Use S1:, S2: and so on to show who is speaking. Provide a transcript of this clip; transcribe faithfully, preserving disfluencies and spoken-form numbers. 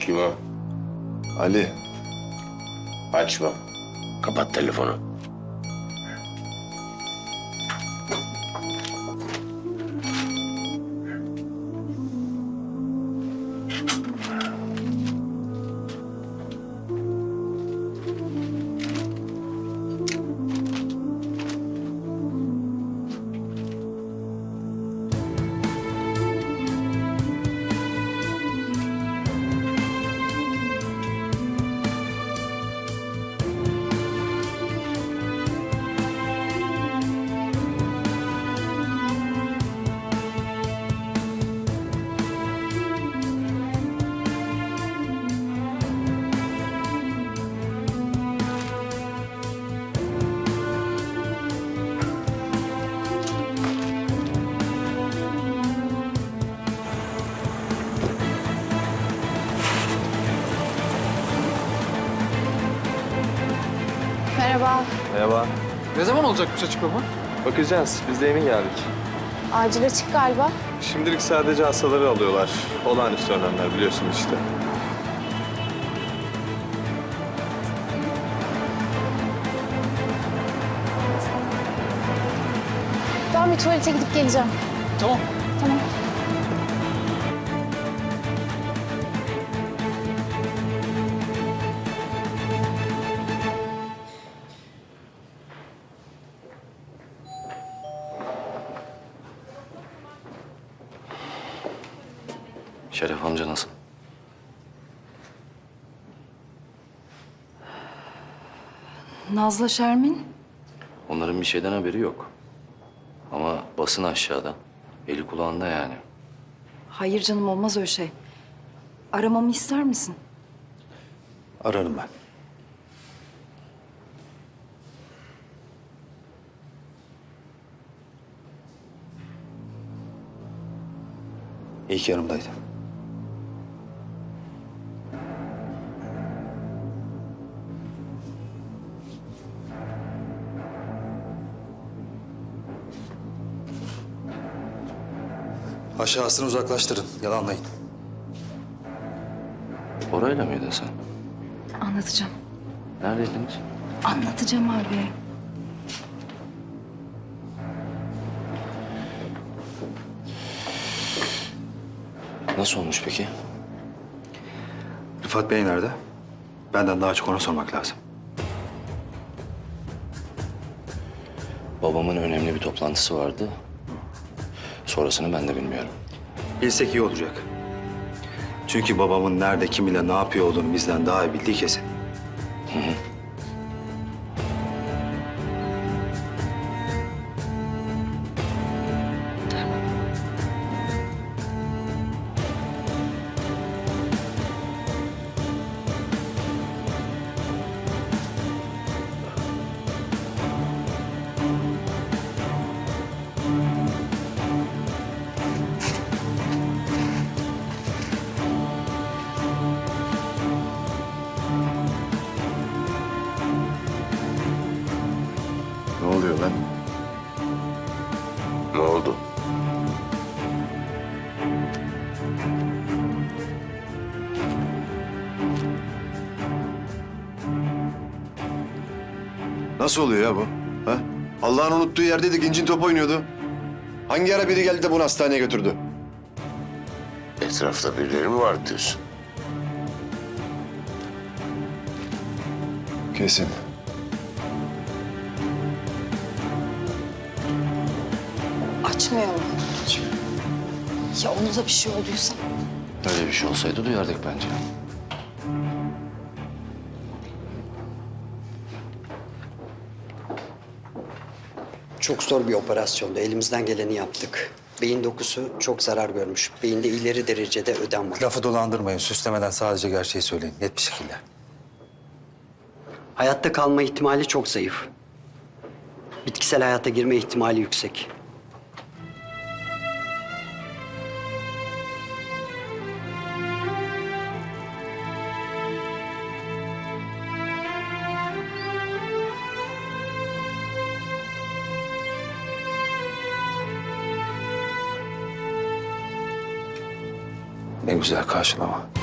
S1: Kim o?
S2: Ali.
S1: Açma. Kapat telefonu.
S3: Merhaba.
S2: Merhaba.
S4: Ne zaman olacakmış açıklama?
S2: Bakacağız. Biz de yeni geldik.
S3: Acil açık galiba.
S2: Şimdilik sadece hastaları alıyorlar. Olağanüstü önlemler biliyorsun işte.
S3: Ben bir tuvalete gidip geleceğim.
S4: Tamam.
S3: Tamam.
S5: Şeref amca nasıl?
S6: Nazlı Şermin?
S5: Onların bir şeyden haberi yok. Ama basın aşağıda. Eli kulağında yani.
S6: Hayır canım, olmaz öyle şey. Aramamı ister misin?
S5: Ararım ben. İyi ki yanımdaydın.
S7: Aşağısını uzaklaştırın, yalanlayın.
S5: Orayla mıydın sen?
S6: Anlatacağım.
S5: Neredeydiniz?
S6: Anlatacağım abi.
S5: Nasıl olmuş peki?
S7: Rıfat Bey nerede? Benden daha çok ona sormak lazım.
S5: Babamın önemli bir toplantısı vardı. Sonrasını ben de bilmiyorum.
S7: Bilsek iyi olacak. Çünkü babamın nerede, kiminle, ne yapıyor olduğunu bizden daha iyi bildiği kesin.
S5: Hı hı.
S2: Ne oluyor lan?
S1: Ne oldu?
S2: Nasıl oluyor ya bu? Ha? Allah'ın unuttuğu yerdeydik, incin top oynuyordu. Hangi ara biri geldi de bunu hastaneye götürdü?
S1: Etrafta birileri mi var diyorsun?
S2: Kesin.
S6: Açmıyor mu? Ya ona da bir şey olduysa?
S5: Öyle bir şey olsaydı duyardık bence.
S8: Çok zor bir operasyondu. Elimizden geleni yaptık. Beyin dokusu çok zarar görmüş. Beyinde ileri derecede ödem var.
S7: Lafı dolandırmayın, süslemeden sadece gerçeği söyleyin, net bir şekilde.
S8: Hayatta kalma ihtimali çok zayıf. Bitkisel hayata girme ihtimali yüksek.
S7: Ne güzel karşılama.